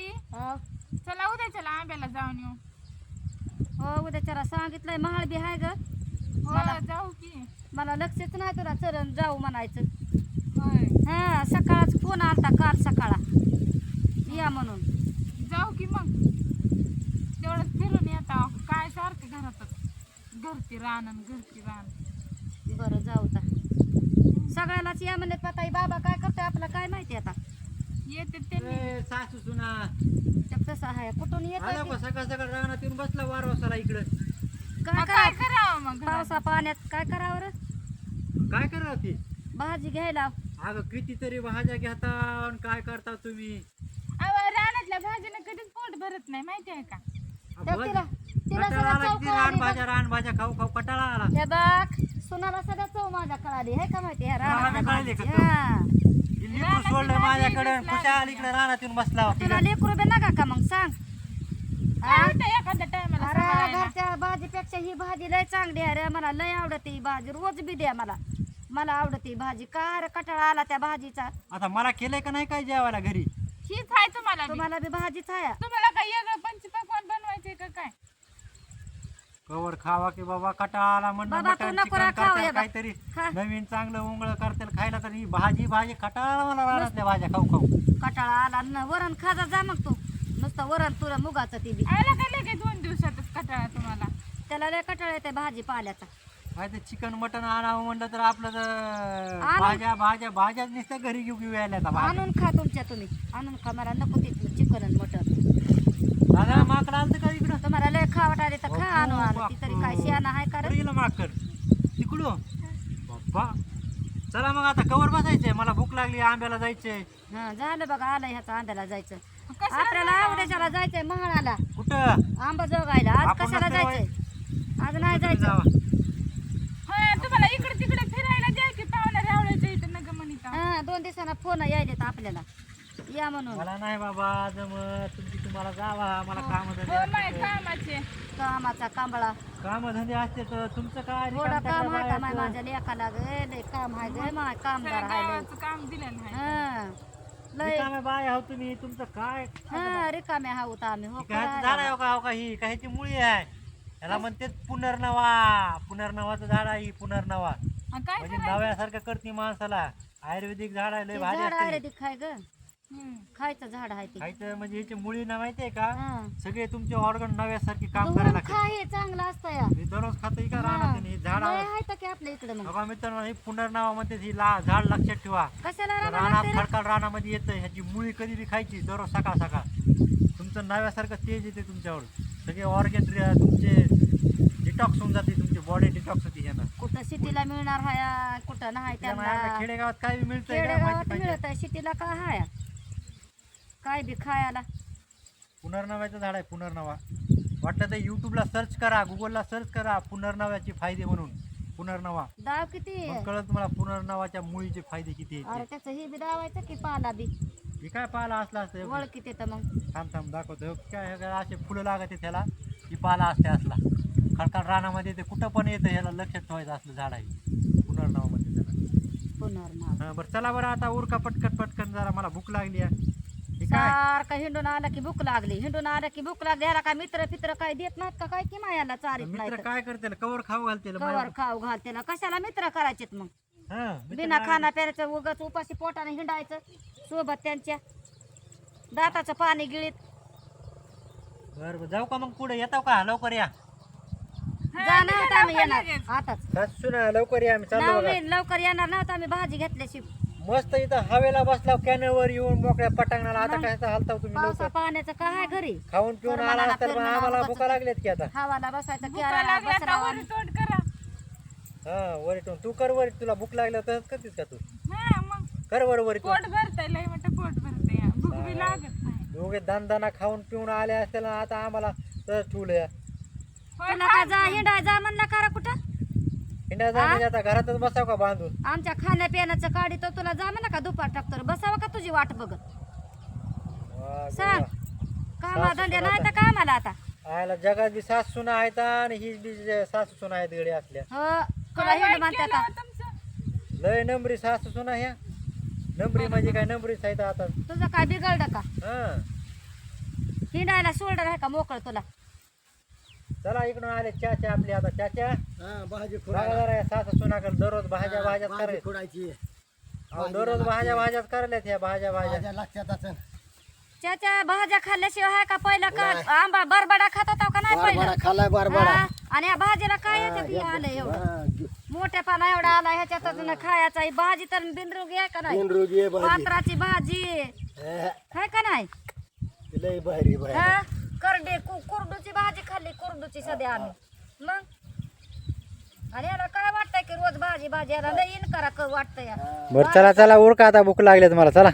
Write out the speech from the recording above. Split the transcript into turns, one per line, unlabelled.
हो
चला उद्याच्याला आंब्याला जाऊन येऊ.
हो उद्याच्याला सांगितलंय महाळ बी आहे ग.
हो जाऊ की.
मला लक्षच नाही तुला चरण जाऊ म्हणायचं.
होय
हा सकाळच फोन आलता काल सकाळा या म्हणून.
जाऊ की मग तेवढंच फिरून येता. काय सारखं घरातच घरची रान आणि घरची रान.
बरं जाऊ आता सगळ्यालाच या म्हणत पताई बाबा काय करतोय आपलं काय माहिती आता.
येते त्यांनी.
सासू सुना
तसं आहे कुठून
आला
येत
का सकाळ सकाळ रानात येऊन बसला वारवासाला इकडं.
काय
काय
करावं
करावं मग घरात?
पावसा पाण्यात काय करावं रे
काय करा ती
भाजी घ्यायला.
अगं कितीतरी भाज्या घेता आणि काय करता तुम्ही.
अहो, रानातल्या भाजीनं कधीच पोट भरत नाही माहिती आहे का.
तर तिला तिला
कटाळा
सगळं
आला
चव
किती
कळाली
रानभाज्या खाऊ खाऊ कटाळा आला.
हे बघ सुनाला सगळं चव माझ्या कळाली हे का माहिती ह्या
रानात
रानातल्या
कळाली का
भाजीची.
चव?
हा.
लिंबू सोडलं माझ्याकडे खुशाल इकडे रानात येऊन बसला होता.
तुला लेकरू बी नका का मग सांग.
काय होतं एखाद्या टायमाला
अरे घरच्या भाजीपेक्षा ही भाजी लय चांगली आहे रे. मला लय आवडते ही भाजी रोज बी द्या मला. मला आवडते ही भाजी का रे कटाळा आला त्या भाजीचा.
आता मला केलंय का नाही काय जेवायला घरी.
हीच आहे तुम्हाला बी.
तुम्हाला बी भाजीच आहे.
तुम्हाला काय वेगळं पंचपक्वान्न बनवायचे का काय.
कवर खावा की बाबा कटाळा आला म्हणलं
बाबा, तू
मटण
नको
चिकन
रा खाऊ
करताल
हे बघ.
काहीतरी
खा.
नवीन चांगलं उंगळ करताल खायला. तर ही भाजी कटाळा आला मला रानातल्या भाज्या खाऊ खाऊ.
कटाळा आला न वरण खाजा जा मग तू. नुसतं वरण तुला मुगाचं ती बी
आला का लगेच 2 दिवसातच कटाळा तुम्हाला.
त्याला लय कटाळा येते भाजी पाल्याचा.
काय ते चिकन मटन आणावं म्हणलं तर आपलं तर
आणून-
भाज्याच नुसत्या घरी घेऊ यायला आता भाज्या.
आणून खा तुमच्या तुम्ही आणून खा. मला नको तिथलं चिकन आणि मटन.
दादा माकड आलं का इकडं.
तुम्हाला लय खावट आले तर खा आणून आणून. ती तरी काय शियाना आहे का रे?
गेलं माकड तिकडं बाप्पा. चला मग आता कवर बसायचंय मला भूक लागली आंब्याला जायचंय.
हा झालं बघा आलं ह्याचा आंब्याला जायचं.
कशाला
आपल्याला उद्याच्याला जायचंय महाळाला
कुठं
आंबा जोगायला. आज
आपण
कशाला
नसतं
जायचंय आज नाही
तुम्ही
जायचं.
जावा.
होय तुम्हाला इकडे तिकडे फिरायला द्या की पाहुण्या रावळ्याच्या इथं नग म्हणिता.
हा 2 दिवसांना फोन यायलेत आपल्याला या म्हणून.
मला नाही बाबा जमत तुमची तुम्हाला जावा मला काम
हो माय कामाचे.
कामाचा कांबळा
धंदे असते तर तुमचं काय
थोडं
रिकामं
काम आहे का
करायचं?
माय माझ्या लेकाला ग लय काम आहे ग माय कामदार आहे लय.
गावाचं काम दिलेलं आहे.
हा लय
रिकामे बाय आहो तुम्ही तुमचं काय
हा रिकामे आहोत आम्ही हो
ह्याचं झाड
करायला.
आहे का ही का ह्याची मुळी आहे. याला म्हणते पुनर्नवाचं झाड आहे ही पुनर्नवा.
आणि काय
म्हणजे
करायचं.
नव्यासारखं करते माणसाला. आयुर्वेदिक झाड आहे लय
ते
भारी
झाड
असते.
आयुर्वेदिक खाय ग
हम्म.
खायचं झाड आहे ते.
खायचं म्हणजे याची मुळी ना माहितीये का
हा.
सगळे तुमचे ऑर्गन नव्यासारखे काम
धुवून
करायला लागते.
खा हे चांगलं असतं या.
मी दररोज खातो का
हा.
राहणार हे झाड
लय आहे तर की आपल्या इकडे मग
बघा मित्रांनो ही पुनर्नवा म्हणते ही झाड लक्षात ठेवा.
कशाला
त्या
राहणार
रानात
लागते रे?
खडकाळ रानामध्ये येतं ह्याची मुळी कधी बी खायची दररोज सकाळ तुमचं नव्यासारखं तेज येते तुमच्यावर. सगळे ऑर्गन तुमचे डिटॉक्स होऊन जाते तुमची बॉडी डिटॉक्स होती ह्यानं.
कुठं सिटीला मिळणार हाय कुठं नाही
त्यामुळे
त्यांना.
आपल्या खेडेगावात काय बी मिळतंय का
खेडेगावात
माहिती पाहिजे.
मिळत आहे सिटीला काय हाय काय बी खायला.
पुनर्नव्याचं झाड आहे पुनर्नवा. वाटलं तर युट्यूबला सर्च करा गुगलला सर्च करा पुनर्नव्याचे फायदे म्हणून पुनर्नवा.
दाव किती
मग कळत तुम्हाला पुनर्नवाच्या मुळीचे फायदे किती
अरे
आहेत.
त्याचं हे बी दावायचं की पाला बी
हे काय पाला असला असतं
वळखीत येतं मग.
थांब दाखवतो हे काय हे काय असे फुलं लागते त्याला ही पाला असते असला खडकाळ रानामध्ये ते कुठं पण येतं ह्याला लक्षात ठेवायचं असलं झाड आहे पुनर्नवामध्ये त्याला.
पुनर्नाव
हा बरं चला बरं आता उरका पटकन जरा मला भूक लागली आहे. हे काय
सारखं हिंडून आलं की भूक लागली हिंडून आलं की भूक लागली. ह्याला काय मित्र फित्र काय देत नाहीत का काय की मायाला चारीत नाही
मित्र
तर.
काय करते कवर खाऊ घालते
कवर खाऊ घाल त्याला कशाला मित्र करायचेत मग.
हा मित्र
बिना खाना प्यायचं उगाच उपाशी पोटाने हिंडायचं सोबत त्यांच्या दाताचं पाणी गिळीत.
बरं जाऊ का मग पुढे येतो का लवकर या.
जा नव्हतं आम्ही येणार आताच
सासू ना लवकर या आम्ही चाललो बघा.
नाही लवकर येणार नव्हतं आम्ही भाजी घेतल्याशी.
मस्त इथं हवेला बसला कॅनलवर येऊन मोकळ्या पटांगणाला. आता काय हालताव तुम्ही
पावसा
लवकर
पाण्याचं काय आहे घरी.
खाऊन पिऊन आला
मला
असतात पण
फिरणं
आम्हाला
उगाच
भुका लागल्यात की आता.
हवाला बसायचं
भुका
केळा
लागल्या तर
बसरावा.
वर तोड करा.
हा वरिटून तू कर वरी तुला भूक लागल्या तसंच करतेस का तू
हा मग
कर वर वरिटून.
पोट भरतंय लय मोठं पोट भरतंय भूक बी लागत नाही.
दोघे दाना खाऊन पिऊन आले असतील ना आता आम्हाला तसंच ठेवलं.
होय
तुला काय जा हिंडाय जा म्हणला करा कुठं.
हिंडा जा म्हणजे आता घरातच बसाव का बांधून.
आमच्या खाण्या पिण्याचं काढी तो तुला जा म्हणला का दुपार टाकतो बसावं का तुझी वाट बघत.
वा,
सांग
वा.
कामा धंदे नाही तर काय मला आता.
आयला जगात बी सासू सुना आहेत आणि ही बी सासू सुना आहेत गडी असल्या.
हो तुला
काय
हिंड
वाईट
म्हणते
केलं
का.
हो तुमचं?
लय नंबरी सासू सुना ह्या. नंबरी म्हणजे काय नंबरीच आहेत आता.
तुझं काय बिघडलं का.
हा
हिंडायला सोल्डर आहे का मोकळ तुला?
चला इकडून आले चाचा आपले आता चाचा
भाजी
बघा जरा या सासू सुनाकडे दररोज भाज्या भाज्याच करायला
खोडायची
दररोज भाज्याच करायला ह्या भाज्या
लक्षात असं
त्याच्या भाज्या खाल्ल्याशिवाय आहे का पहिलं का आंबा बरबडा खात होता का नाही पहिलं?
खाल्लाय बरबडा
हा, आणि या भाजीला काय येतं बी आलं एवढं मोठ्यापणा एवढा आला ह्याच्यातून खायचा. ही भाजी तर बिनरोगी आहे का नाही?
रोगी आहे भाजी
पात्राची भाजी काय का नाही?
लय भारी भारी
हा करडे कुरडूची भाजी खाल्ली, कुरडूची सध्या आम्ही मग. आणि याला काय वाटतंय की रोज भाजी भाजी याला लई इन करा वाटतंय.
बरं चला चला उरका आता भूक लागली तुम्हाला चला